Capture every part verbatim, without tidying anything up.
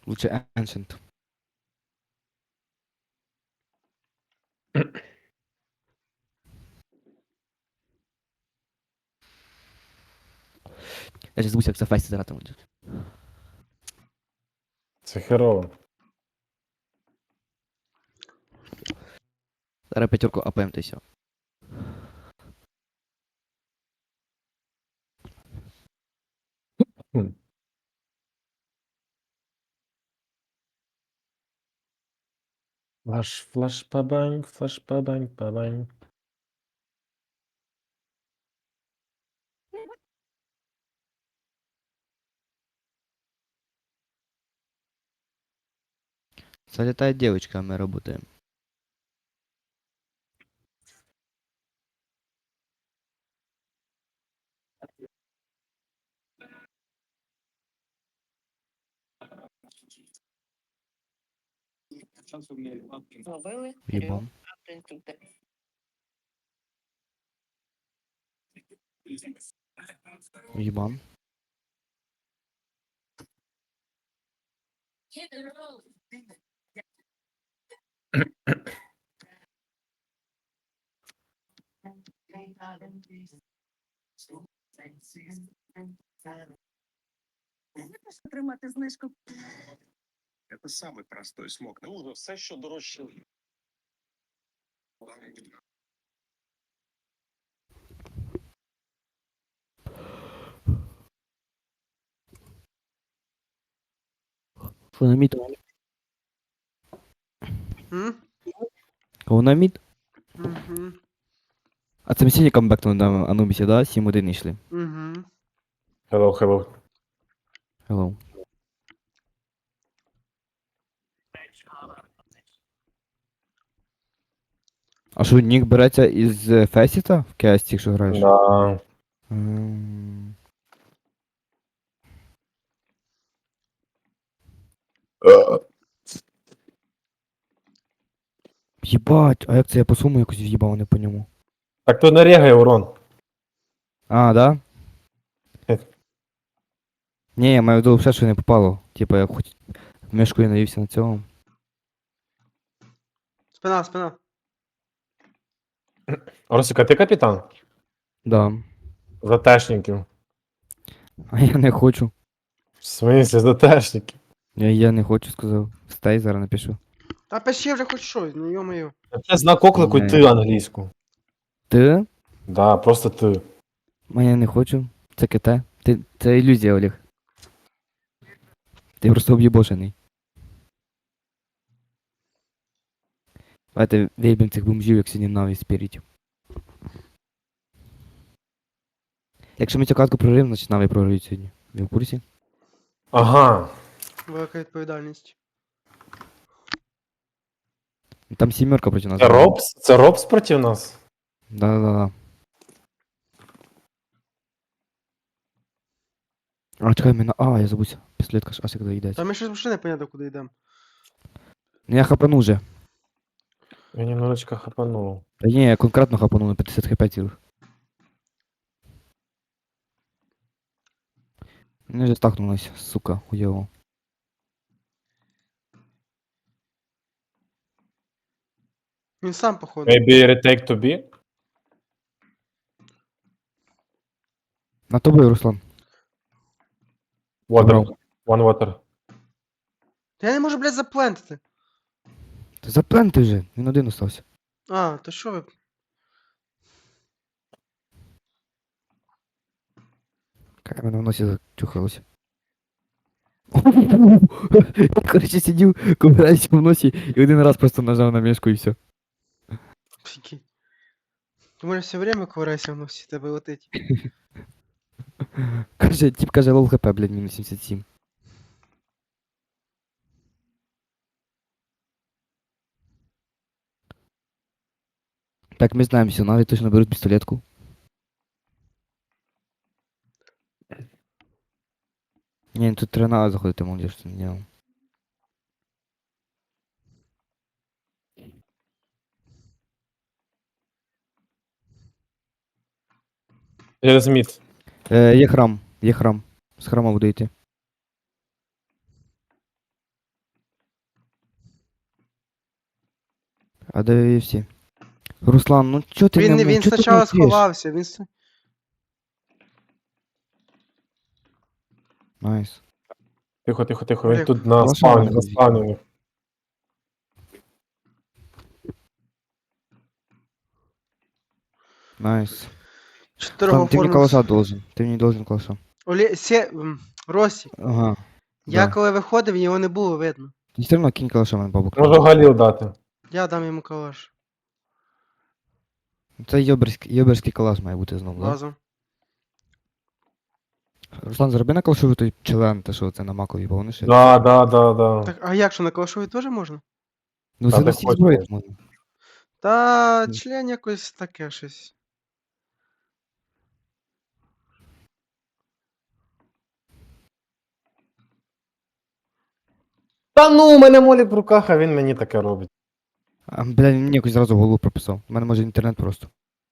Лучше Ancient. Я сейчас забусь, як це фесті зараз там буде. Це херово. Зараз п'ятерку АПМ та й все. Хм. Флаш, флаш, пабанг, флаш, пабанг, пабанг. Залетает девочка, а мы работаем. Ловили Ебом. автоінструктор. Ебан. Отримати знижку. Это самый простой смог. Ну, все, що дорожче. Що на мід? М? Кого на мід? Мгм. А це ми сьогодні камбекнули на Анубісі, да? сім один йшли. Мгм. Hello, hello. Hello. А що, нік береться із е, Фесіта в кесті, якщо граєш? Да. М. Єбать, а як це я по суму якось в'їбав, не по ньому. Так то не регає урон. А, да? Хе. Ні, я маю в виду все, що не попало. Типа я хоч мишкою навівся на цьому. Спина, спина. Росика, ти капітан? Да. Затешників. А я не хочу. В смысле, затешників? Я, я не хочу, сказав. Стай, зараз напишу. Та пиши вже хоч щось, ну йо-моє. Це знак оклику Не. ти англійську. Ти? Да, просто ти. А я не хочу. Це КТ. Ти, це ілюзія, Олег. Ти просто об'єбошений. Давайте виб'ємо цих бомжів, як сьогодні навіть спіріть. Якщо ми цю катку прорив, значить наві програють сьогодні. Ви в курсі? Ага. Велика відповідальність. Там сімерка проти нас. Це грає. Робс? Це Робс проти нас? Да-да-да. А, чекай, мене. А, я забувся. Пістолетка ж аж як доїдається. Та ми щось взагалі не понятно, куди йдемо. Ну я хапану вже. Я немножечко хапанув. Та ні, я конкретно хапану на п'ятдесят хп цілих. Вони вже стахнулись, сука, хуйово. Він сам, походу. Maybe retake to B? На тобою, Руслан. Water. Забрав. One water. Та я не можу, блядь, заплентити. Та запленти вже, він один остався. А, то що ви? Кай мене в носі зачухалося. Короче, сидів, ковираюся в носі і один раз просто нажав на мішку і все. Прикинь. Ти можеш все время ковирайся в носі, тебе летить. Каже, тип каже, лол хп, блядь, мінус сімдесят сім. Так, ми знаємо, все, навіть точно беруть пістолетку. Ні, тут треба на заходити, молодіж, що не делал. Через мід. Е, є храм, є храм. З храма буду йти. А де ви всі? Руслан, ну чо ти Він, не не- ну, він чо ти спочатку мовчиш? сховався, він... с- Найс. Тихо, тихо, тихо. Він Олег, тут на Калаша спавні, не на ходіть. спавні. у них. Найс. Чотирого Руслан, ти мені формус. калаша должен. Ти мені должен калаша. Оле... Се... м, Росі, Ага. я Да. коли виходив, його не було видно. Ти все одно кинь калаша мене бабок. Можу Галіл дати. Я дам йому калаш. Це йоберський, йоберський калаш має бути знову, да? Базу. Руслан, зроби на калашу той член, те, що це на макові, бо вони ще... Да, да, да, да. Так, а як що, на калашові теж можна? Ну, Та це де на всіх хочеш. зброях можна. Та Ні. член якось таке щось. Та ну, у мене молік в руках, а він мені таке робить. А, бля, він мені якось зразу в голову прописав. У мене може інтернет просто.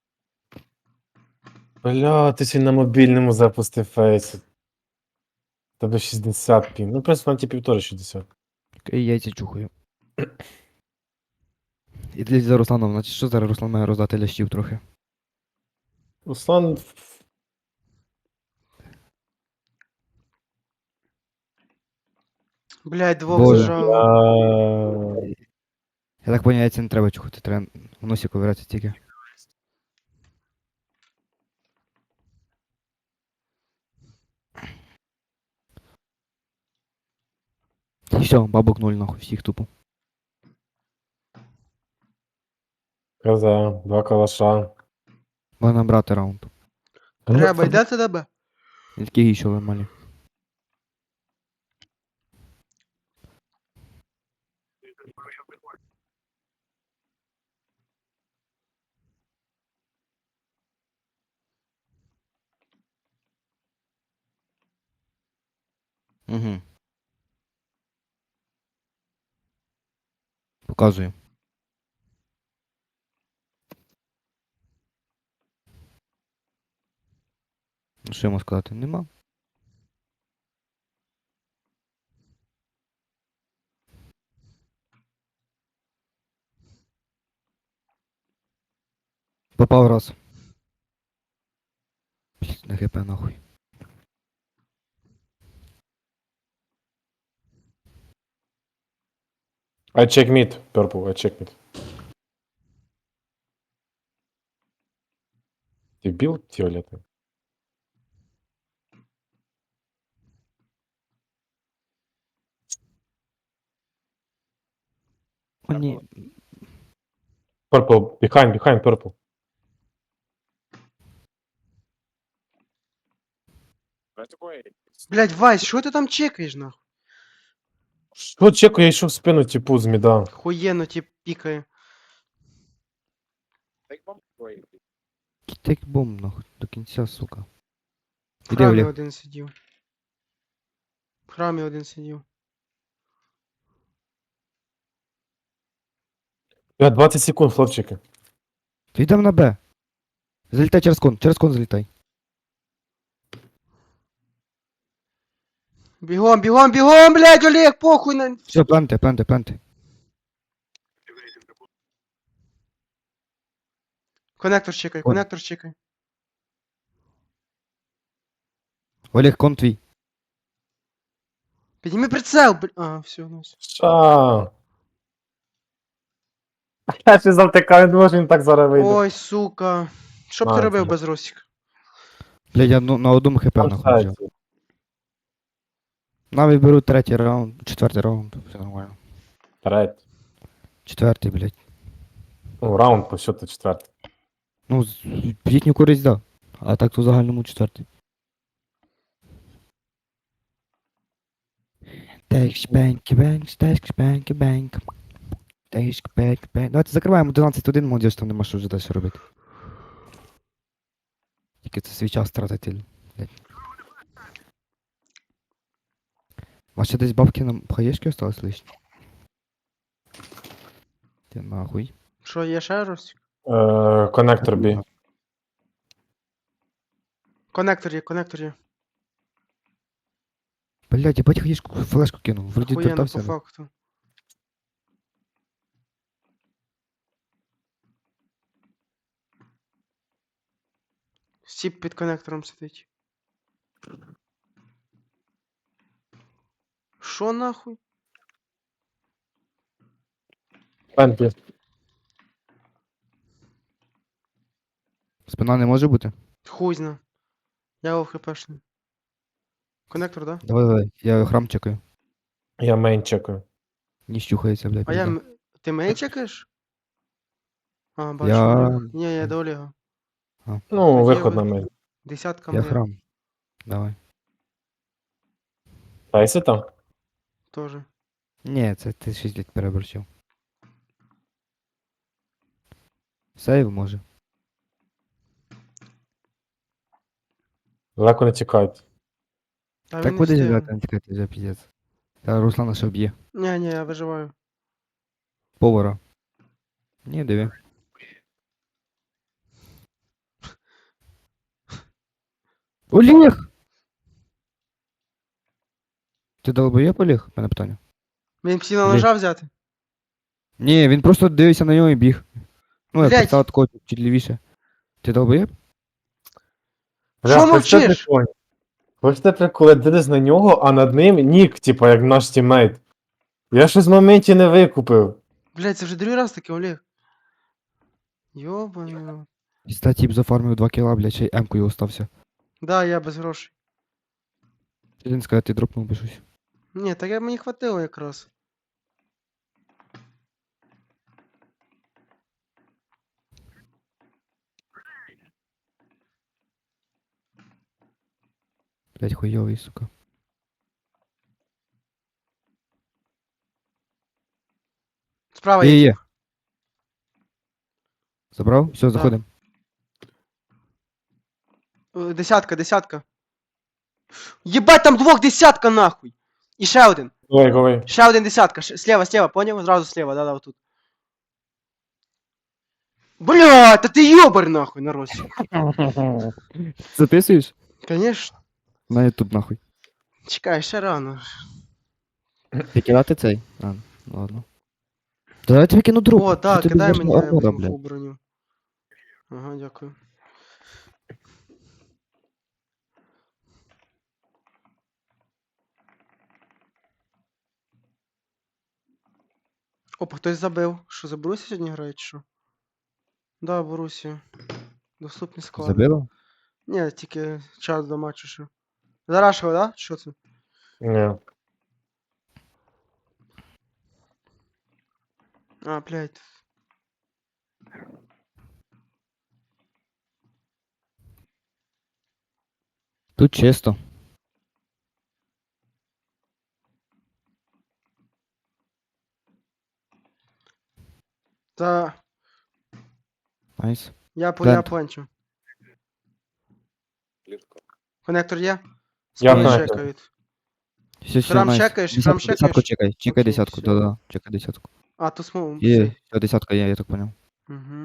Бля, ти ще й на мобільному запустив фейс. Тебе шістдесят пін. Ну, в принципі, на ті півтори шістдесят. І яйця чухаю. І для за Русланом, значить що зараз Руслан має роздати лящів трохи. Руслан. Блядь, двох Боже. зажало. Бля. Я так поняв, яйця не треба чухати, треба в носі ковирятися тільки. І все, бабок нуль нахуй, всіх тупо. Каза, два калаша. Можна брати раунд. Треба, йде ти тебе? І такі гіші нормальні. Угу. Показую. Ну, що йому сказати? Нема. Попав раз. Блін, на хп нахуй. I check mid, purple, I check mid. Ти бил фіолетовий? О, ні. Purple, behind, behind, purple. Блядь, Вась, що ти там чекаєш, нахуй? Що чеку, я йшов в спину, типу, з міда. Хуєнно ті пікає. Кітек бомб нахуй. До кінця, сука. В Іди, храмі Олег. один сидів. В храмі один сидів. Я двадцять секунд, хлопчики. Ти йдем на Б. Залітай через кон, через кон залітай. Бігом, бігом, бігом, блядь, Олег, похуй на... Все, планте, планте, планте. Коннектор чекай, Кон. коннектор чекай. Олег, кон твій. Підніми прицел, блядь. А, все, ну все. Ша. Я ще завтикав, не може він так зараз вийде. Ой, сука. Що б ти На, робив це. без Росіка? Блядь, я ну, на одному хп Там нахуй взяв. сайті. Навіть беру третій раунд, четвертий раунд, все нормально. Третій. Четвертий, блядь. Ну, раунд по счету четвертий. Ну, з- в їхню користь, да. А так то в загальному четвертий. Текш, бенк, бенк, текш, бенк, бенк. Текш, бенк, бенк. Давайте закриваємо одинадцять один, молодіж, там нема що вже далі робити. Тільки це свій час тратити. блядь. У вас ще десь бабки на хаєшки осталось лишні? Ти нахуй. Що, є ще Росік? Е, Коннектор бі. Коннектор є, коннектор є. Блядь, я бать хаєшку флешку кинув. Вроді Хуєнно по вертався. факту. Тіп під коннектором сидить. Що нахуй? Пентлі. Спина не може бути? Хуй зна. Я його хпшний. Коннектор, да? Давай, давай, я храм чекаю. Я мейн чекаю. Не щухається, блядь. А я... пизда. м- Ти мейн чекаєш? А, бачу. Я- Олег. Ні, я до Олега. Ну, Тоді виход ви- на мейн. Десятка Я моя. храм. Давай. Тайси там? Тоже. Ні, це ти шість літ переборщив. Сейв може. Далеко не тікають. Та він Так не куди встиг. зіграти, не тікати вже піздець. Та Руслана ще вб'є. Ні, ні, я виживаю. Повара. Ні, диви. Олег! Ти долбоєб, Олег? Мене питання. Він псіна Блін. ножа взяти? Ні, він просто дивився на нього і біг. Ну, я Блядь. представив такого чуть лівіше. Ти долбоєб? Що Бля, мовчиш? хочете прикол? Хочете прикол, я дивлюсь на нього, а над ним нік, типа, як наш тіммейт. Я щось в моменті не викупив. Блядь, це вже другий раз таке, Олег. Йобаний рот. І ста тіп зафармив два кіла, блядь, ще й емкою остався. Да, я без грошей. Ти він сказав, ти дропнув би щось. Ні, так я мені хватило якраз. Блядь, хуйовий, сука. Справа Є, є. є. Забрав? Все, заходимо. Е, Десятка, десятка. Єбать, там двох десятка нахуй! І ще один. Говори, говори. Ще один десятка. Ш- Слева, слева, поняв? Зразу слева, да-да, отут. Бля, та ти йобар нахуй, народ. Записуєш? Конечно. На ютуб нахуй. Чекай, ще рано. Викидати цей? А, ну ладно. Та я тобі кину друг. О, так, тобі кидай вийшла мені я армора, візьму блядь. фул броню. Ага, дякую. Опа, хтось забив. Що, за Борусі сьогодні грають, чи що? Да, Борусі. Доступні склади. Забило? Ні, тільки час до матчу ще. Зарашили, да? Що це? Ні. А, блядь. Тут чисто. Та Найс. я по я Плент. планчу. Коннектор є? Я Спини знаю. чекають. Все, все, Храм найс. чекаєш? Десятку, Храм десятку чекаєш? чекай, чекай Окей, десятку, всё. да-да, чекай десятку. А, то смол. Є, все, десятка є, я так понял. Угу.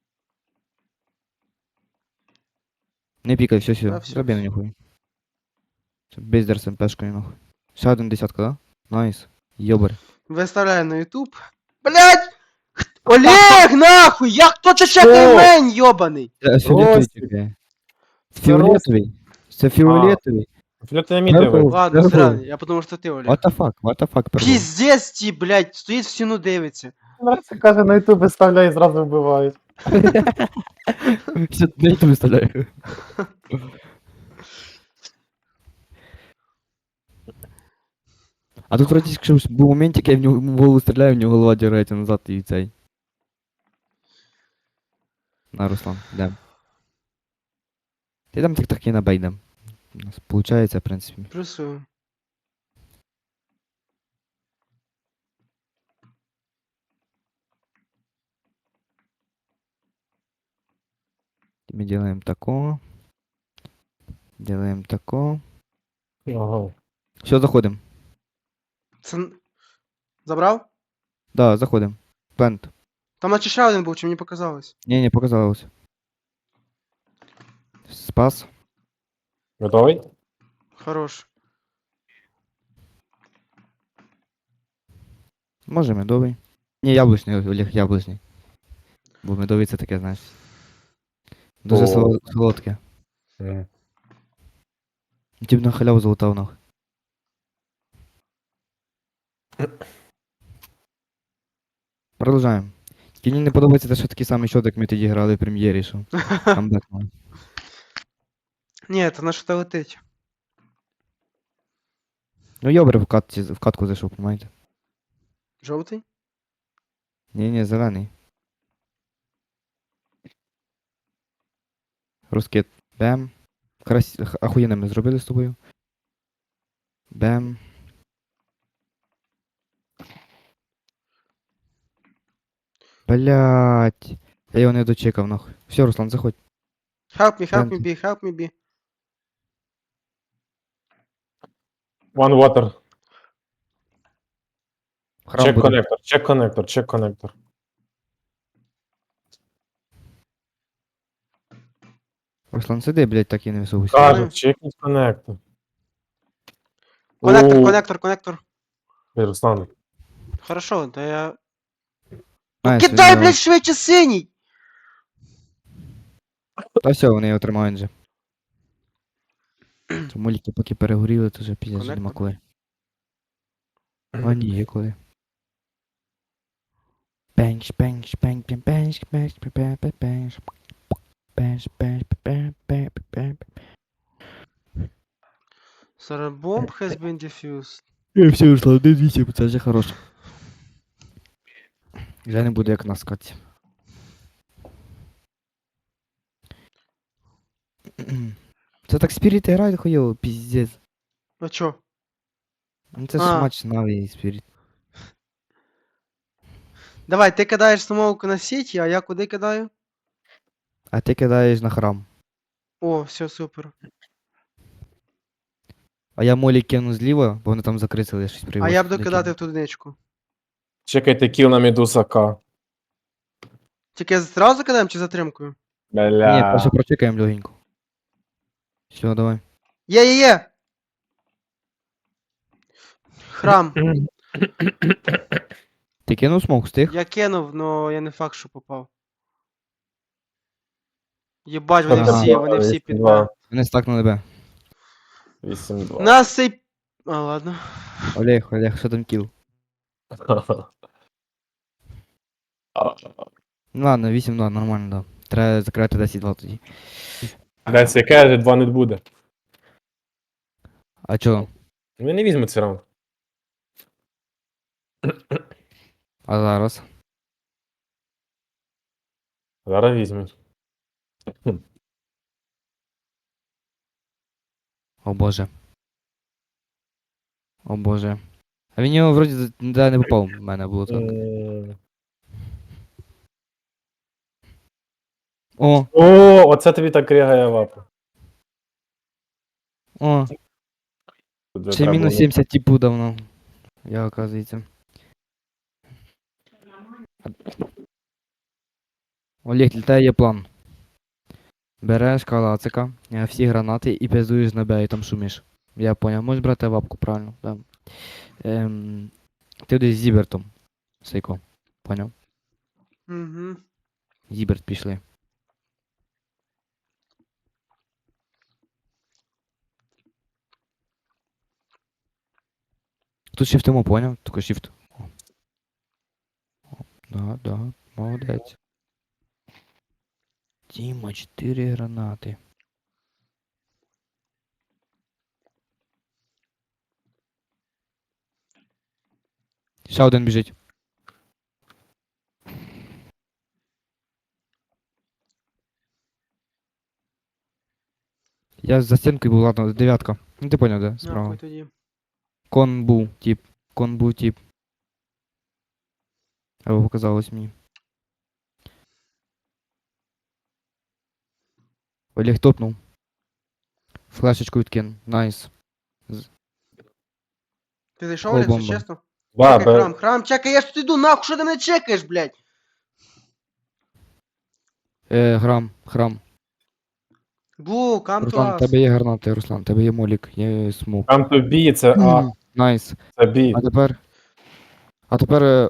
Не пікай, все, Да, все, всё, забей на всё. нахуй. Бездер з МПшкою нахуй. Ще один десятка, да? Найс. Йобар. Виставляю на YouTube. Блять! Олег, нахуй! Я хто це чекає Що? мень, йобаний? Це фіолетовий Ростик. чекає. Це Фіолетовий. Це фіолетовий. Флюти на мід Дякую. диви. Ладно, Здорово. зря, я подумав, що ти, Олег. What the fuck, what the fuck, пардон. Піздець ті, блять, стоїть в стіну дивиться. Це каже, на ютуб виставляє і зразу вбивають. Все, на YouTube виставляю. А тут вроді якщо був моментик, я в нього в голову стріляю, в нього голова дірається назад і цей. На, Руслан, йдем. Ти там так так і набейдем. У нас получається, в принципі. Плюсую. Мы делаем такого. Делаем такого. Ага. Все, заходим. Це... н- Забрав? Да, заходим. Плент. Там наче ще один був, чи мені показалось? Не, не показалось. Спас. Готовий? Хорош. Може медовий. Ні, яблучний, Олег, яблучний. Бо медовий це таке, знаєш. Дуже О. соло- солодке. М. Тіп на халяву залутав нахуй. Продовжаємо. Тільки мені не подобається те, що такий самий щот, як ми тоді грали в прем'єрі, що камбек мав. Ні, то на що то летить. Ну йобре в, катці, в катку зайшов, понимаєте? Жовтий? Ні, ні, зелений. Розкид. Бем. Крас... х- Ахуєнно ми зробили з тобою. Бем. Блять. Я його не дочекав, нахуй. Все, Руслан, заходь. Help me, help me Пленки. be, help me be. One water. Храм Чек буде. коннектор, чек коннектор, чек коннектор. Руслан, сиди, блять, так і не висовуйся. Каже, чекніть коннектор. Коннектор, У, коннектор, коннектор. Ей, Руслан, Хорошо, да я... Найс, Ну кидай, він, блядь, швидше синій! Та все, вони його тримають вже. Ці муліки поки перегоріли, то вже піздець вже нема Коннектор? коли. А ні, є коли. Бенч, бенч, бенч, бенч, бенч, бенч, бенч, бенч, бенч. Бенч, бенч, бенч, бенч, бенч. Sorry, bomb has been defused. І все, Руслан, один вісім, це вже хороше. Вже не буде як на скаті. Це так спіріти грають хуйово, піздець. А чо? Ну це ж А. матч Наві і спіріт. Давай, ти кидаєш самовку на сіті, а я куди кидаю? А ти кидаєш на храм. О, все, супер. А я молі кину зліва, бо вони там закрисили, я щось А привоз. я буду кидати в ту одиничку. чекайте кіл на Медуса К. Тільки зразу кидаємо чи затримкою? Бля. Ні, перше прочекаємо легенько. Все, давай. Є, є, є! Храм. Ти кинув смок, встиг? Я кинув, но я не факт, що попав. Єбать, вони Ага. всі, вони всі під Б. два. Вони стакнули Б. вісім два. Нас цей... А, ладно. Олег, Олег, що там кіл? Ну ладно, вісім два, нормально, да. Треба закривати десять два тоді. Десь яке два не буде. А чо? Ми не візьмемо цей раунд. А зараз? Зараз візьмуть. О боже. О боже. А він його вроді за- да, не попав, в мене було так. М. О, О, оце тобі так рягає вапа. о, Тут вже ще треба мінус було- сімдесят типу давно. Я, оказується. Олег, літає є план. Береш калацика, е, всі гранати і пиздуєш на Б і там шумиш. Я поняв, можеш брати вапку, правильно, да. Ем, ти десь з Зібертом. Сейко. Поняв? Угу. Зіберт пішли. Тут шифтимо, поняв? Тільки шифт. О. О, да, да, молодець. Тіма, чотири гранати. Ще один біжить. Я за стінкою був, ладно, дев'ятка. Ну ти поняв, де? Справа. Нахуй тоді. Кон був, тип. Кон був, тип. Або показалось мені. Олег топнув. Флешечку відкинув. Найс. Ти зайшов, Кол Олег, все бомба. чесно? Да, Чекай, бе- храм, храм, чекай, я ж тут іду, нахуй, що ти мене чекаєш, блядь? Е, храм, храм. Блу, come to Руслан, us. тебе є гранати, Руслан, тебе є молік, є смок. Там то бі, це А, Найс. це бі. А тепер. А тепер. е,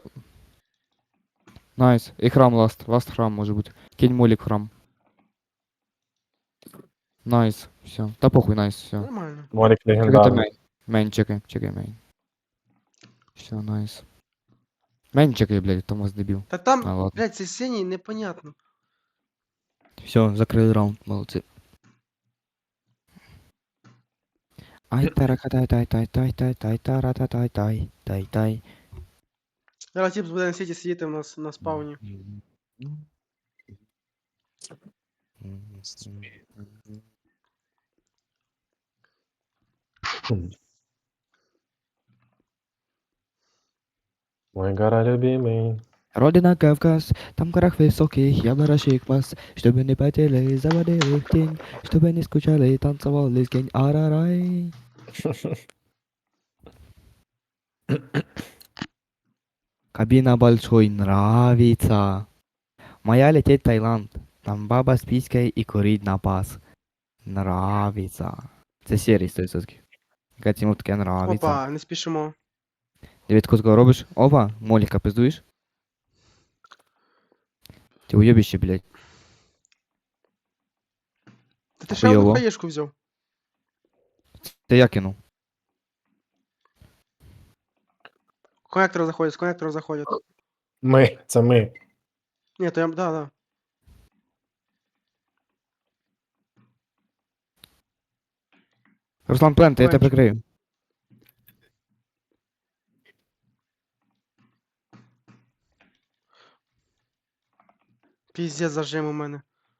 Найс. І храм ласт. Ласт храм може бути. Кинь молік в храм. Найс, все. Та похуй, найс, все. Нормально. Морік Чекайте легендарний. мейн. Мейн чекай, чекай мейн. Все, найс. Мейн чекай, блядь, Томас дебіл. Та там, А, ладно. блядь, цей синій непонятно. Все, закрили раунд, молодці. Ай таракатай тай тай тай тай тай тарататай тай тай тай. Зараз тип буде на сіті сидіти у нас на спауні. Мой гора любимий. Родина Кавказ, там горах высоких, я барашек вас, чтобы не потели, заводили в тень, чтобы не скучали, танцевали с гень, арарай. Кабина большой нравится. Моя лететь в Таиланд, там баба с писькой и курить на пас. Нравится. Це серій сто відсотків. Яка цьому таке нравиться. Опа, не спішимо. Дев'ять кутко робиш? Опа, моліка пиздуєш? Ти уйобище, блядь. Та ти ще одну Хуйово. хаєшку взяв. Ти я кинув. Коннектор заходять, з коннектора заходять. Ми, це ми. Ні, то я, да, да. Руслан Плент, я тебе Кончик. прикрию. Піздець зажим у мене.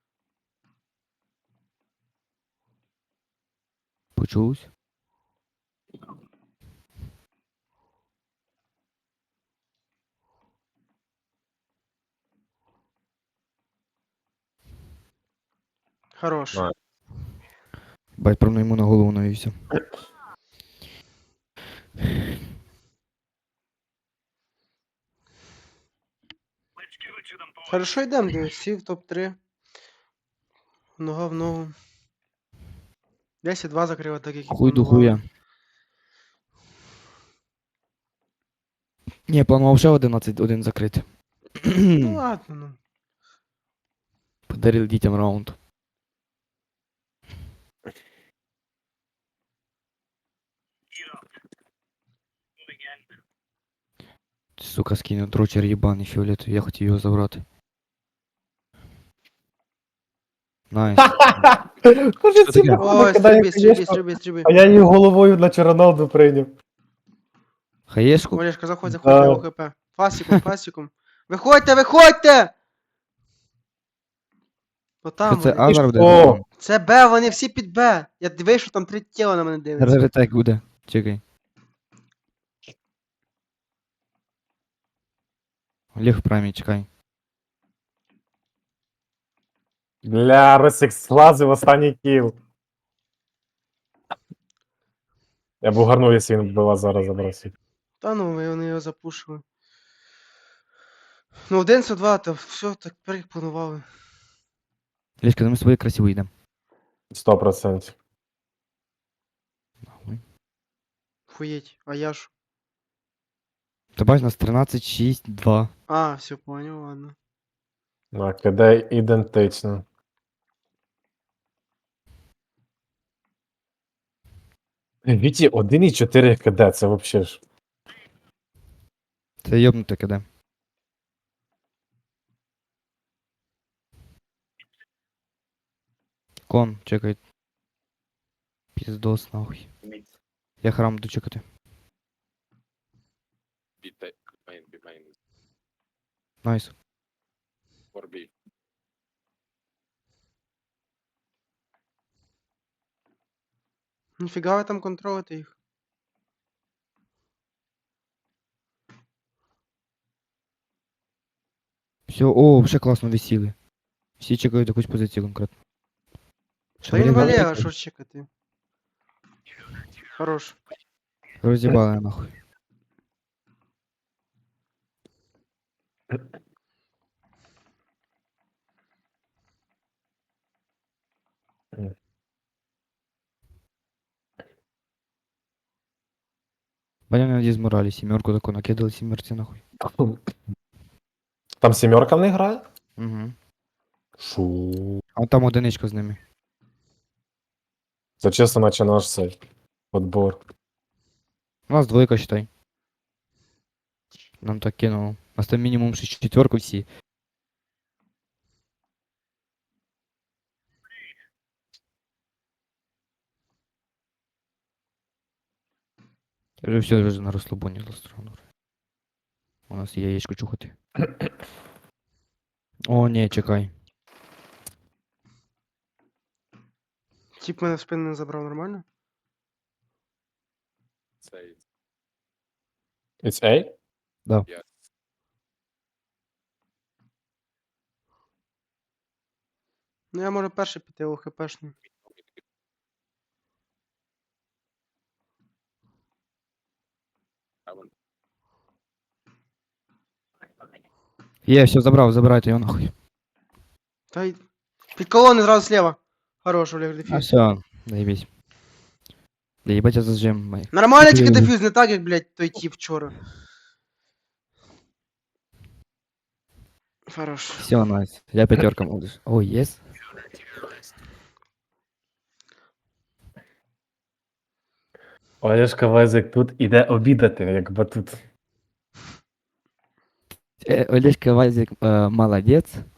Почусь. Хорош. Да. Бать, правно йому на голову навівся. Хорошо йдемо, дивись, всі в топ три. Нога в ногу. десять два закрила, так як і Хуй до планували. хуя. Ні, я планував ще одинадцять один закрити. Ну ладно, ну. Подарив дітям раунд. Сука, скинув дрочер єбаний фіолетовий, я хотів його забрати. Найс. Каже, ці таке? походу Ой, кидає стрибі, стрибі, хаєшку, стрибі, стрибі. а я її головою на Чороналду прийняв. Хаєшку? Олешка, заходь, заходь, Да. я ОХП. Фасиком, фасиком. Виходьте, виходьте! Що Отам це вони. Азар буде? О! Це Б, вони всі під Б. Я дивись, що там три тіла на мене дивляться. Ретек буде. Чекай. Ліг в праймі, чекай. Бля, Росик слазив останній кіл. Я б угарнув, якщо він вбила зараз забросив. Та ну, ви- вони його запушили. Ну, один це два, то все, так перепланували. Лішка, ми свої красиво йдемо. Сто процентів. Нахуй. Хуєть, а я ж. Ти бачиш, нас тринадцять шість два. А, все, понял, ладно. Так, КД ідентично. Віті, один і чотири КД, це вообще ж. Це йобнуте киде. Кон, чекай. Піздос, нахуй. Я храм буду чекати. Найс. Ніфіга ви там контролите їх. Все, о, вже класно висіли. Всі чекають якусь позицію конкретно. Та він Шабрін Валера, Валерій. що ж чекати? Хорош. Роз'їбали нахуй. Баня на дізморалі, сімерку таку накидали сімерці нахуй. Там сімерка в них грає? Угу. Шу. А там одиничка з ними. Це чесно, наче наш цей подбор. У нас двойка, считай. Нам так кинуло. У нас там мінімум шість четверку всі. Вже все, вже на розслабоні застроєно. У нас є яєчко чухати. О, ні, чекай. Тіп мене в спину не забрав нормально? Цей It's A? Ну я можу перший піти, о хпшний. Є, все, забрав, забирайте його нахуй. Та й... Під колони зразу слева. Хорош, Олег, А дефюз. все, заебись. Да ебать я зажим, май. Нормально, тільки Блін. дефюз, не так, як, блядь, той тіп вчора. Хорош. Все, найс. Я пятерка можешь. О, ес. Олешка Вазик тут іде обідати, як батут. Э, Олежка Вазик э, молодец.